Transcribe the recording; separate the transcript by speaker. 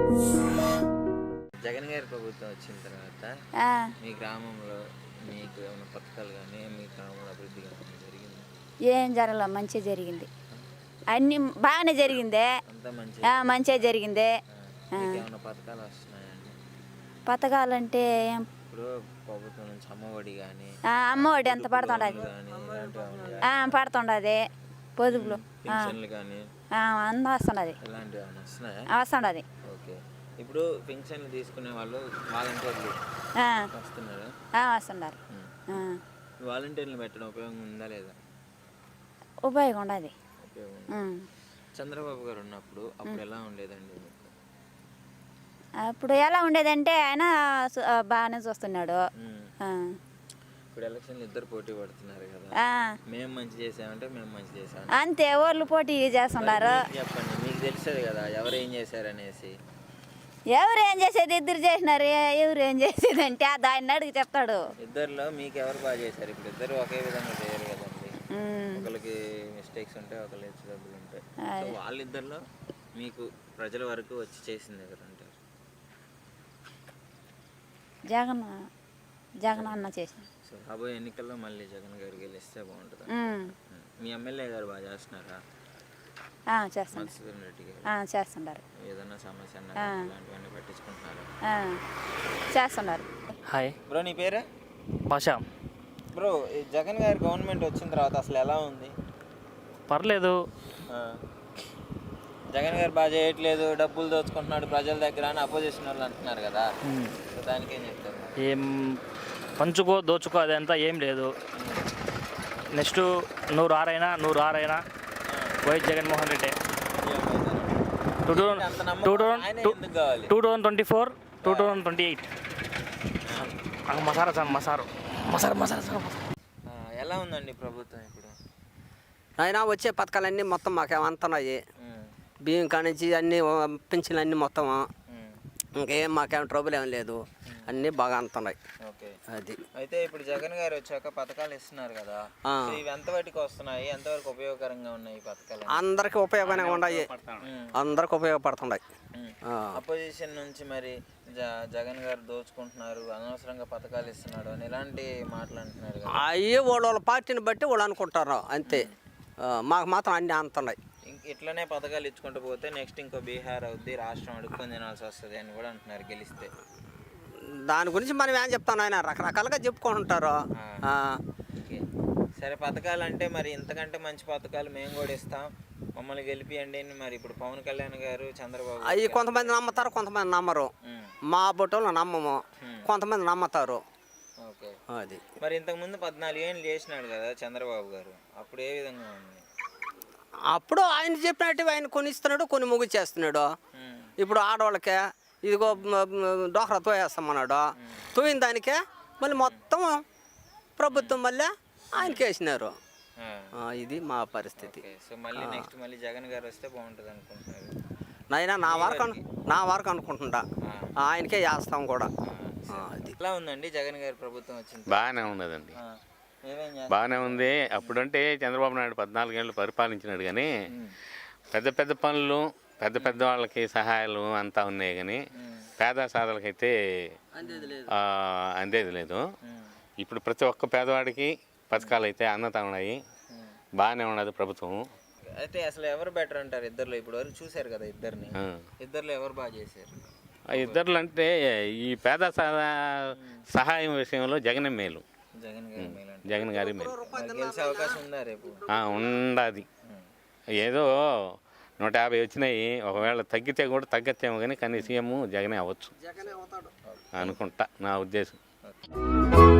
Speaker 1: జగన్ గారి ప్రభుత్వం వచ్చిన తర్వాత మీ గ్రామంలో మీకు ఏమైనా పథకాలు కానీ మీ గ్రామంలో అభివృద్ధి కానీ జరిగింది?
Speaker 2: ఏం జరగలే, మంచిగా జరిగింది. అన్నీ బాగానే జరిగిందే,
Speaker 1: అంతా మంచి
Speaker 2: మంచిగా జరిగిందే.
Speaker 1: ఏమైనా పథకాలు వస్తున్నాయండి?
Speaker 2: పథకాలంటే
Speaker 1: ఇప్పుడు ప్రభుత్వం నుంచి అమ్మఒడి కానీ
Speaker 2: అమ్మఒడి ఎంత పడుతుండదు, పడుతుండది. పొదుపులు
Speaker 1: పెన్షన్లు కానీ
Speaker 2: అంతా వస్తున్నది,
Speaker 1: ఇలాంటివి ఏమైనా వస్తున్నాయా?
Speaker 2: వస్తున్నది.
Speaker 1: ఓకే. ఇప్పుడు పెన్షన్లు తీసుకునే వాళ్ళు వాలంటీర్లు వస్తున్నారు.
Speaker 2: వస్తున్నారు.
Speaker 1: వాలంటీర్లు పెట్టడం ఉపయోగం ఉందా లేదా?
Speaker 2: ఉపయోగం ఉండదు.
Speaker 1: ఉపయోగం. చంద్రబాబు గారు ఉన్నప్పుడు అప్పుడు ఎలా ఉండేదండి మీకు?
Speaker 2: అప్పుడు ఎలా ఉండేదంటే ఆయన బాగానే చూస్తున్నాడు.
Speaker 1: ఇప్పుడు ఎలక్షన్లు ఇద్దరు పోటీ పడుతున్నారు కదా, మేము మంచి చేసామంటే మేము మంచి చేసాం
Speaker 2: అంతే, వాళ్ళు పోటీ చేస్తున్నారు.
Speaker 1: చెప్పండి, మీకు తెలుస్తుంది కదా ఎవరు ఏం చేశారనేసి.
Speaker 2: ఎవరు ఏం చేసేది, ఇద్దరు చేసినారు. ఎవరు ఏం చేసేది అంటే దాన్ని అడిగి చెప్తాడు.
Speaker 1: ఇద్దరులో మీకు ఎవరు బాగా చేశారు? ఇప్పుడు ఇద్దరు ఒకే విధంగా చేయరు కదండి, ఒకరికి మిస్టేక్స్ ఉంటాయి, ఒకరికి హెచ్చు డబ్బులు ఉంటాయి. సో వాళ్ళిద్దరిలో మీకు ప్రజల వరకు వచ్చి చేసింది ఎవరంటారు?
Speaker 2: జగన్ అన్న చేసిన.
Speaker 1: సో రాబోయే ఎన్నికల్లో మళ్ళీ జగన్ గారు గెలిస్తే బాగుంటుంది. మీ ఎమ్మెల్యే గారు బాగా చేస్తున్నారా?
Speaker 2: చేస్తున్నారు.
Speaker 1: ఏదైనా సమస్య ఇలాంటివన్నీ పట్టించుకుంటున్నారా?
Speaker 2: చేస్తున్నారు.
Speaker 3: హాయ్
Speaker 1: బ్రో, నీ పేరు?
Speaker 3: భాష.
Speaker 1: బ్రో, ఈ జగన్ గారి గవర్నమెంట్ వచ్చిన తర్వాత అసలు ఎలా ఉంది?
Speaker 3: పర్లేదు.
Speaker 1: జగన్ గారు బాగా చేయట్లేదు, డబ్బులు దోచుకుంటున్నాడు ప్రజల దగ్గర అని అపోజిషన్ వాళ్ళు అంటున్నారు కదా, దానికి ఏం చెప్తారు?
Speaker 3: ఏం పంచుకో దోచుకో అదంతా ఏం లేదు. నెక్స్ట్ నువ్వు రారైనా వైఎస్ జగన్మోహన్ రెడ్డి 2024 2028 మసారా.
Speaker 1: ఎలా ఉందండి ప్రభుత్వం ఇప్పుడు?
Speaker 4: అయినా వచ్చే పథకాలన్నీ మొత్తం మాకేమంతున్నాయి. బియ్యం కానించి అన్నీ పెన్షన్లు అన్నీ మొత్తం ఇంకేం మాకేం ట్రబుల్ ఏం లేదు, అన్నీ బాగా అందుతున్నాయి. అది
Speaker 1: అయితే ఇప్పుడు జగన్ గారు వచ్చాక పథకాలు ఇస్తున్నారు కదా, ఇవి ఎంతవరకు వస్తున్నాయి, ఎంతవరకు ఉపయోగకరంగా ఉన్నాయి ఈ పథకాలు?
Speaker 4: అందరికి ఉపయోగంగా ఉన్నాయి, అందరికి ఉపయోగపడుతున్నాయి.
Speaker 1: అపోజిషన్ నుంచి మరి జగన్ గారు దోచుకుంటున్నారు, అనవసరంగా పథకాలు ఇస్తున్నాడు అని ఇలాంటి మాటలు అంటున్నారు కదా.
Speaker 4: అయ్యే వాళ్ళ పార్టీని బట్టి వాళ్ళు అనుకుంటారు అంతే, మాకు మాత్రం అన్నీ అందుతున్నాయి.
Speaker 1: ఇట్లనే పథకాలు ఇచ్చుకుంటూ పోతే నెక్స్ట్ ఇంకో బీహార్ అవుద్ది, రాష్ట్రం అడుక్కొని తినాల్సి వస్తుంది అని కూడా అంటున్నారు గెలిస్తే.
Speaker 4: దాని గురించి మనం ఏం చెప్తాను, ఆయన రకరకాలుగా చెప్పుకుంటుంటారు.
Speaker 1: సరే, పథకాలు అంటే మరి ఇంతకంటే మంచి పథకాలు మేము కూడా ఇస్తాం, మమ్మల్ని గెలిపియండి అని మరి ఇప్పుడు పవన్ కళ్యాణ్ గారు, చంద్రబాబు
Speaker 4: అవి కొంతమంది నమ్ముతారు, కొంతమంది నమ్మరు. మా బొట్టలు నమ్మము, కొంతమంది నమ్ముతారు.
Speaker 1: ఓకే.
Speaker 4: అది
Speaker 1: మరి ఇంతకుముందు 14 ఏళ్ళు చేసినాడు కదా చంద్రబాబు గారు, అప్పుడు ఏ విధంగా ఉంది?
Speaker 4: అప్పుడు ఆయన చెప్పినట్టు ఆయన కొన్ని ఇస్తున్నాడు, కొన్ని ముగిచేస్తున్నాడు. ఇప్పుడు ఆడవాళ్ళకే ఇదిగో డోక్రా తోయేస్తామన్నాడు, తోయిన దానికే మళ్ళీ మొత్తం ప్రభుత్వం మళ్ళీ ఆయనకి వేసినారు. ఇది మా పరిస్థితి.
Speaker 1: సో మళ్ళీ నెక్స్ట్ మళ్ళీ జగన్ గారు వస్తే బాగుంటుంది అనుకుంటున్నారు?
Speaker 4: నైనా నా వరకు అనుకుంటుంటా, ఆయనకే వేస్తాం కూడా. అది
Speaker 1: ఎలా ఉందండి జగన్ గారి ప్రభుత్వం వచ్చింది?
Speaker 5: బాగానే ఉన్నదండి, బాగానే ఉంది. అప్పుడంటే చంద్రబాబు నాయుడు 14 ఏళ్ళు పరిపాలించినాడు, కానీ పెద్ద పెద్ద పనులు పెద్ద వాళ్ళకి సహాయాలు అంతా ఉన్నాయి, కానీ పేద సాధలకైతే అందేది లేదు. ఇప్పుడు ప్రతి ఒక్క పేదవాడికి పథకాలు అయితే అందుతా ఉన్నాయి, బాగానే ఉన్నది ప్రభుత్వం.
Speaker 1: అయితే అసలు ఎవరు బెటర్ అంటారు ఇద్దరులో? ఇప్పుడు వరకు చూశారు కదా ఇద్దరిని, ఇద్దరులో ఎవరు బాగా చేశారు?
Speaker 5: ఇద్దరు అంటే ఈ పేద సహాయం విషయంలో జగన్ మేలు, జగన్ గారి మేలు.
Speaker 1: గెలిచే అవకాశం ఉందా రేపు?
Speaker 5: ఉండదు. ఏదో 150 వచ్చినాయి, ఒకవేళ తగ్గితే కూడా తగ్గచ్చేమో, కానీ సీఎం జగనే అవ్వచ్చు అనుకుంటా, నా ఉద్దేశం.